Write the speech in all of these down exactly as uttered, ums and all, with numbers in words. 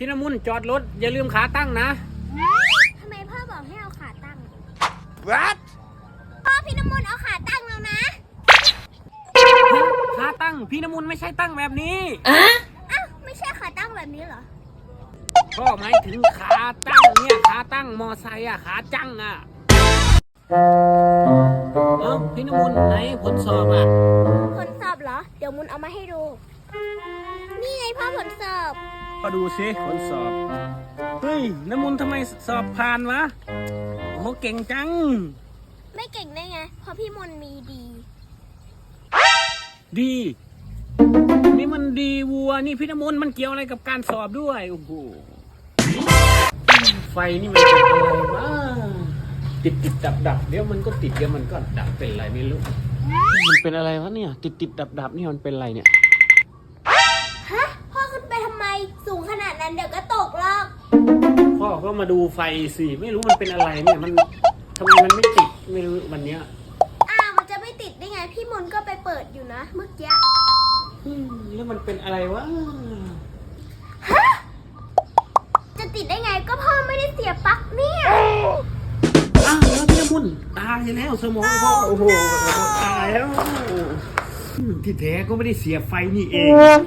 พี่น้ำมุนจอดรถอย่าลืมขาตั้งนะทำไมพ่อบอกให้เอาขาตั้ง What พ่อพี่น้ำมุนเอาขาตั้งแล้วนะขาตั้งพี่น้ำมุนไม่ใช่ตั้งแบบนี้อ่ะอ้าวไม่ใช่ขาตั้งแบบนี้เหรอพ่อหมายถึงขาตั้งเนี่ยขาตั้งมอไซค์อะขาจังอะเอ้าพี่น้ำมุนไหนผลสอบอะผลสอบเหรอเดี๋ยวมุนเอามาให้ดูนี่ไงพ่อผลสอบมาดูสิผลสอบเฮ้ยน้ำมุนทำไมสอบผ่านวะโอ้เก่งจังไม่เก่งได้ไงเพราะพี่มนมีดีดีนี่มันดีวัวนี่พี่น้ำมุนมันเกี่ยวอะไรกับการสอบด้วยโอ้โหไฟนี่มันเป็นอะไรวะติดติดดับดับเดี๋ยวมันก็ติดเดี๋ยวมันก็ดับเป็นอะไรไม่รู้มันเป็นอะไรวะเนี่ยติดติดดับดับนี่มันเป็นอะไรเนี่ยฮะพ่อขึ้นไปทำไมสูงขนาดนั้นเดี๋ยวก็ตกหรอกพ่อก็มาดูไฟสิไม่รู้มันเป็นอะไรเนี่ยมันทำไมมันไม่ติดไม่รู้วันเนี้ยอ้าวมันจะไม่ติดได้ไงพี่มนก็ไปเปิดอยู่นะเมื่อกี้แล้วมันเป็นอะไรวะฮะจะติดได้ไงก็พ่อไม่ได้เสียปลั๊กเนี่ยอ้าวแล้วพี่น้ำมุนตายแล้วสมองพ่อโอ้โหตายแล้วที่แท้ก็ไม่ได้เสียไฟนี่เอง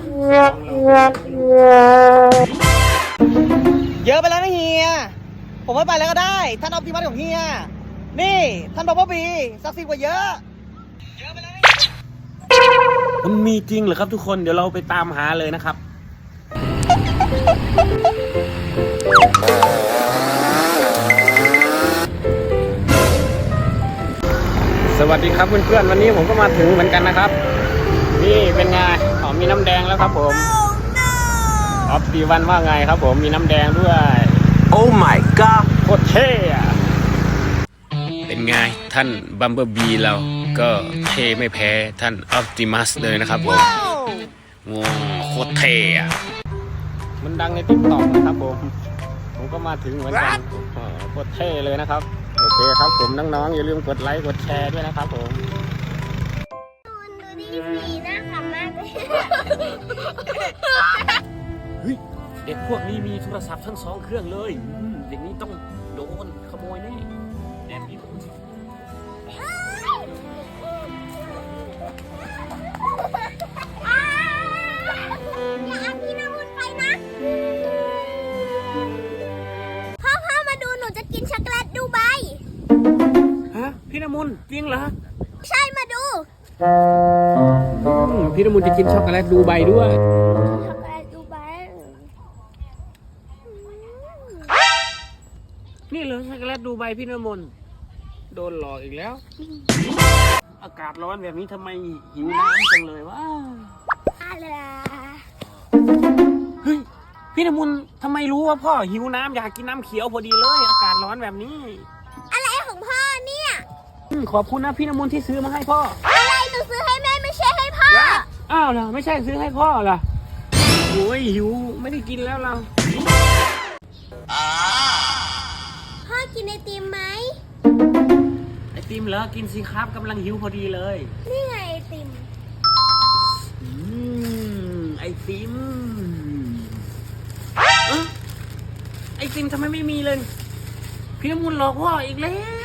เยอะไปแล้วนะเฮียผมไม่ไปแล้วก็ได้ท่านออปติมัสของเฮียนี่ท่านบอบบี้ศักดิ์สิทธิ์กว่าเยอะเยอะไปแล้วมันมีจริงเหรอครับทุกคนเดี๋ยวเราไปตามหาเลยนะครับสวัสดีครับเพื่อนๆวันนี้ผมก็มาถึงเหมือนกันนะครับนี่เป็นไงอ๋อมีน้ำแดงแล้วครับผมออฟตีวันว่าไงครับผมมีน้ำแดงด้วยโอ้ my god โคตรเท่อะเป็นไงท่านบัมเบอร์บีเราก็เท่ไม่แพ้ท่านออปติมัสเลยนะครับผมงงโคตรเท่อะมันดังในติ๊กต็อกนะครับผมผมก็มาถึงเหมือนกันโคตรเท่เลยนะครับโอเคครับผมน้องๆอย่าลืมกดไลค์กดแชร์ด้วยนะครับผมดูดีดีน่าขำมากเลยเฮ้ยเด็กพวกนี้มีโทรศัพท์ทั้งสองเครื่องเลยเด็กนี้ต้องโดนขโมยแน่แอบนี้อย่าเอาพี่น้ำมุนไปนะพ่อพ่อมาดูหนูจะกินช็อกโกแลตดูใบฮะพี่น้ำมุนจริงเหรอใช่มาดูพี่น้ำมุนจะกินช็อกโกแลตดูใบด้วยช็อกโกแลตดูใบนี่เลยช็อกโกแลตดูใบพี่น้ำมุนโดนหลอกอีกแล้วอากาศร้อนแบบนี้ทำไมหิวน้ำจังเลยวะอะไรเฮ้ยพี่น้ำมุนทำไมรู้ว่าพ่อหิวน้ำอยากกินน้ำเขียวพอดีเลยอากาศร้อนแบบนี้อะไรของพ่อเนี่ยขอบคุณนะพี่น้ำมุนที่ซื้อมาให้พ่ออะไรหนูซื้อให้แม่ไม่ใช่ให้พ่ออ้าวเหรอไม่ใช่ซื้อให้พ่อเหรอโอ้ยหิวไม่ได้กินแล้วเราพ่อกินไอติมไหมไอติมเหรอกินสิครับกำลังหิวพอดีเลยนี่ไงไอติมอืมไอติมไอติมทำไมไม่มีเลยพี่น้ำมุนหลอกพ่ออีกแล้ว